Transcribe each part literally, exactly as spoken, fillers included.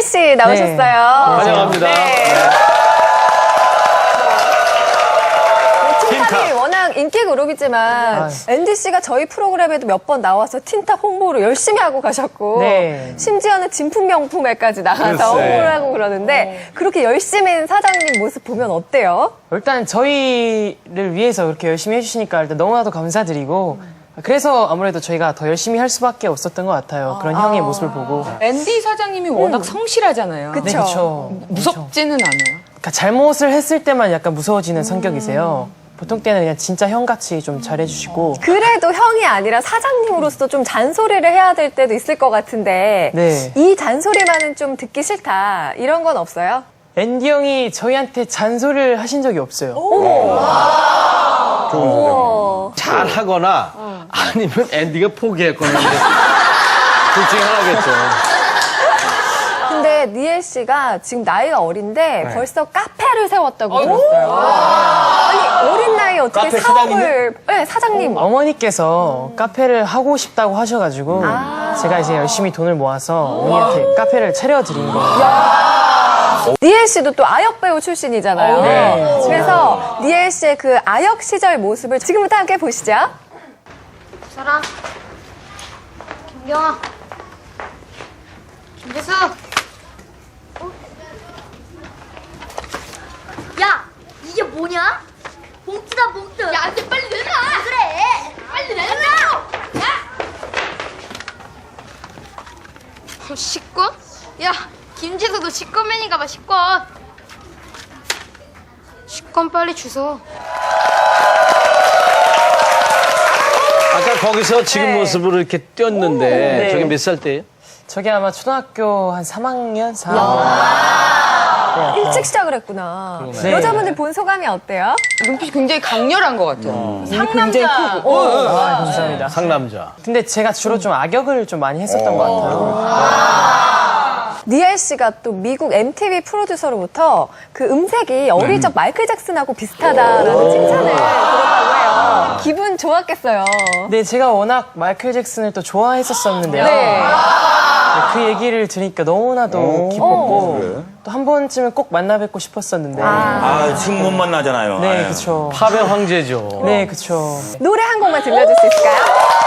씨 나오셨어요. 네. 환영합니다. 네. 네. 틴탑이 워낙 인기 그룹이지만 아. 앤디 씨가 저희 프로그램에도 몇 번 나와서 틴탑 홍보를 열심히 하고 가셨고 네. 심지어는 진품 명품에까지 나가서 글쎄. 홍보를 하고 그러는데 그렇게 열심히 한 사장님 모습 보면 어때요? 일단 저희를 위해서 그렇게 열심히 해주시니까 일단 너무나도 감사드리고 그래서 아무래도 저희가 더 열심히 할 수밖에 없었던 것 같아요. 그런 형의 모습을 보고. 앤디 사장님이 워낙 성실하잖아요. 그쵸. 네, 그렇죠. 무섭지는 않아요. 그러니까 잘못을 했을 때만 약간 무서워지는 성격이세요. 보통 때는 그냥 진짜 형같이 좀 잘해주시고. 그래도 형이 아니라 사장님으로서 좀 잔소리를 해야 될 때도 있을 것 같은데 네. 이 잔소리만은 좀 듣기 싫다 이런 건 없어요? 앤디 형이 저희한테 잔소리를 하신 적이 없어요. 오. 잘 하거나 아니면 앤디가 포기했거나 둘 중에 하나겠죠. 근데 니엘 씨가 지금 나이가 어린데 네. 벌써 카페를 세웠다고 들었어요. 아니 어린 나이에 어떻게 카페 사업을 네, 사장님. 어머니께서 카페를 하고 싶다고 하셔가지고 제가 이제 열심히 돈을 모아서 어머니한테 카페를 차려드린 거예요. 니엘 씨도 또 아역 배우 출신이잖아요. 네. 그래서 니엘 씨의 그 아역 시절 모습을 지금부터 함께 보시죠. 사랑 김경아 김재수 어? 야 이게 뭐냐? 봉투다 봉투 야 안돼 빨리 내놔 그래 빨리 내놔 야 어, 식권? 야 김재수도 식권맨인가 봐 식권 식권 빨리 주소 아까 거기서 지금 네. 모습으로 이렇게 뛰었는데 네. 저게 몇 살 때예요? 저게 아마 초등학교 한 삼 학년, 사 학년. 일찍 시작을 했구나. 네. 여자분들 본 소감이 어때요? 눈빛이 굉장히 강렬한 것 같아요. 상남자. 아, 감사합니다. 상남자. 근데 제가 주로 좀 악역을 좀 많이 했었던 것 같아요. 니엘 씨가 또 미국 엠티비 프로듀서로부터 그 음색이 어릴 적 마이클 잭슨하고 비슷하다라는 칭찬을 들었다고 해요. 기분 좋았겠어요. 네, 제가 워낙 마이클 잭슨을 또 좋아했었었는데요. 네. 그 얘기를 들으니까 너무나도 기뻤고 또 한 번쯤은 꼭 만나 뵙고 싶었었는데. 아, 지금 못 만나잖아요. 네, 아유. 그쵸. 팝의 황제죠. 네, 그쵸. 노래 한 곡만 들려줄 수 있을까요?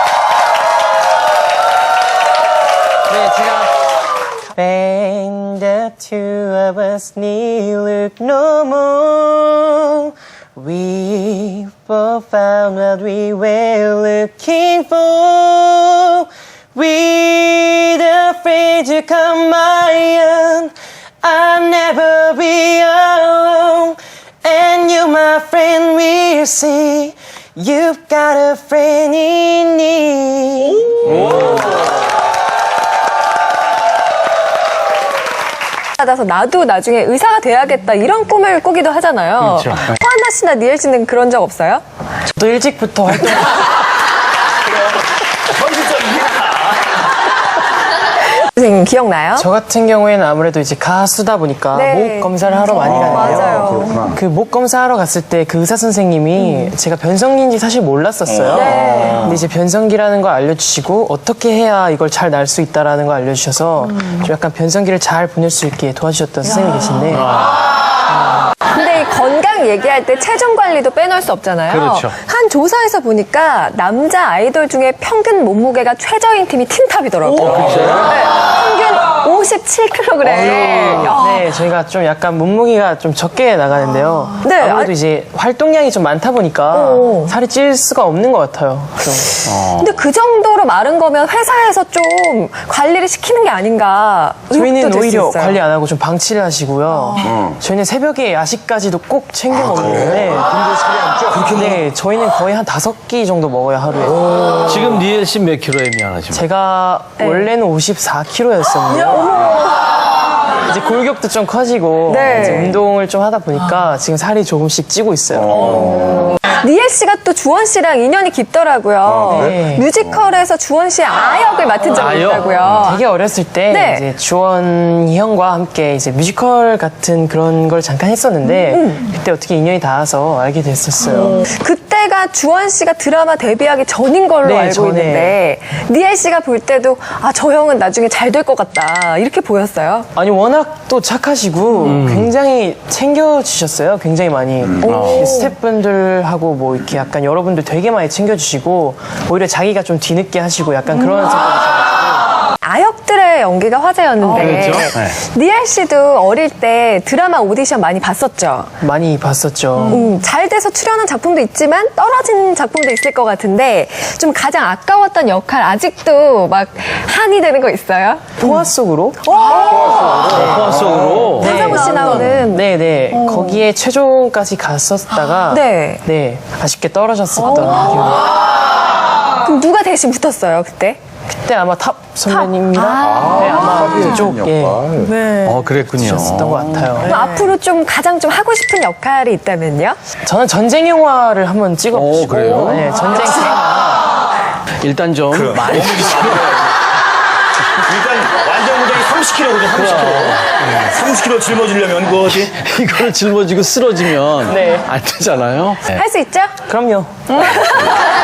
네, 제가 When the two of us need look no more We both found what we were looking for We're afraid to come my own I'll never be alone And you my friend will see You've got a friend in me 받아서 나도 나중에 의사가 돼야겠다 이런 꿈을 꾸기도 하잖아요. 그렇죠. 허한나 씨나 니엘 씨는 그런 적 없어요? 저도 일찍부터 활동 선생님 기억나요? 저 같은 경우에는 아무래도 이제 가수다 보니까 네. 목 검사를 하러 많이 가는데요. 맞아요. 그 목 검사하러 갔을 때 그 의사 선생님이 제가 변성기인지 사실 몰랐었어요. 네. 근데 이제 변성기라는 걸 알려주시고 어떻게 해야 이걸 잘 날 수 있다라는 걸 알려주셔서 좀 약간 변성기를 잘 보낼 수 있게 도와주셨던 선생님이 계신데 근데 이 건강 얘기할 때 체중 관리도 빼놓을 수 없잖아요. 그렇죠. 한 조사에서 보니까 남자 아이돌 중에 평균 몸무게가 최저인 팀이 틴탑이더라고요. 네, 평균 오십칠 킬로그램. 네, 저희가 좀 약간 몸무게가 좀 적게 나가는데요. 네, 아무래도 아- 이제 활동량이 좀 많다 보니까 오. 살이 찔 수가 없는 것 같아요. 좀. 근데 그 정도로 마른 거면 회사에서 좀 관리를 시키는 게 아닌가. 저희는 의혹도 들수 오히려 있어요. 관리 안 하고 좀 방치를 하시고요. 저희는 새벽에 야식까지도 꼭 챙겨 먹는데. 그렇게 네, 저희는 거의 한 다섯 끼 정도 먹어요, 하루에. 지금 니엘 씨 몇 킬로에 미안하지만. 제가 네. 원래는 오십사 킬로였었는데요. 이제 골격도 좀 커지고 네. 이제 운동을 좀 하다 보니까 지금 살이 조금씩 찌고 있어요. 니엘 씨가 또 주원 씨랑 인연이 깊더라고요. 네. 뮤지컬에서 주원 씨의 아역을 맡은 적이 아역? 있다고요. 되게 어렸을 때 네. 이제 주원이 형과 함께 이제 뮤지컬 같은 그런 걸 잠깐 했었는데 음. 그때 어떻게 인연이 닿아서 알게 됐었어요. 그때가 주원 씨가 드라마 데뷔하기 전인 걸로 네, 알고 전에. 있는데 니엘 씨가 볼 때도 아, 저 형은 나중에 잘 될 것 같다 이렇게 보였어요. 아니 워낙 또 착하시고 굉장히 챙겨주셨어요. 굉장히 많이 네, 스태프분들하고 뭐 이렇게 약간 여러분들 되게 많이 챙겨주시고 오히려 자기가 좀 뒤늦게 하시고 약간 그런 생각이 들어요. 아역들의 연기가 화제였는데 그렇죠. 네. 니엘 씨도 어릴 때 드라마 오디션 많이 봤었죠. 많이 봤었죠. 음, 잘 돼서 출연한 작품도 있지만 떨어진 작품도 있을 것 같은데 좀 가장 아까웠던 역할 아직도 막 한이 되는 거 있어요? 포화 속으로 포화 속으로. 서장훈 씨 나오는 네네 거기에 최종까지 갔었다가 네. 네 아쉽게 떨어졌었던 기억이. 그럼 누가 대신 붙었어요 그때? 그때 아마 탑 선배님이랑 네, 아마 그쪽 예 어, 그랬군요. 셨던 것 같아요. 그럼 앞으로 좀 가장 좀 하고 싶은 역할이 있다면요? 저는 전쟁 영화를 한번 찍어보고 오, 그래요? 네, 전쟁 영화. 일단 좀 많이 일단 완전 무장이 삼십 킬로거든, 삼십 킬로. 삼십 킬로 짊어지려면 그거 어디? 이걸 짊어지고 쓰러지면 네. 안 되잖아요. 할 수 있죠? 그럼요.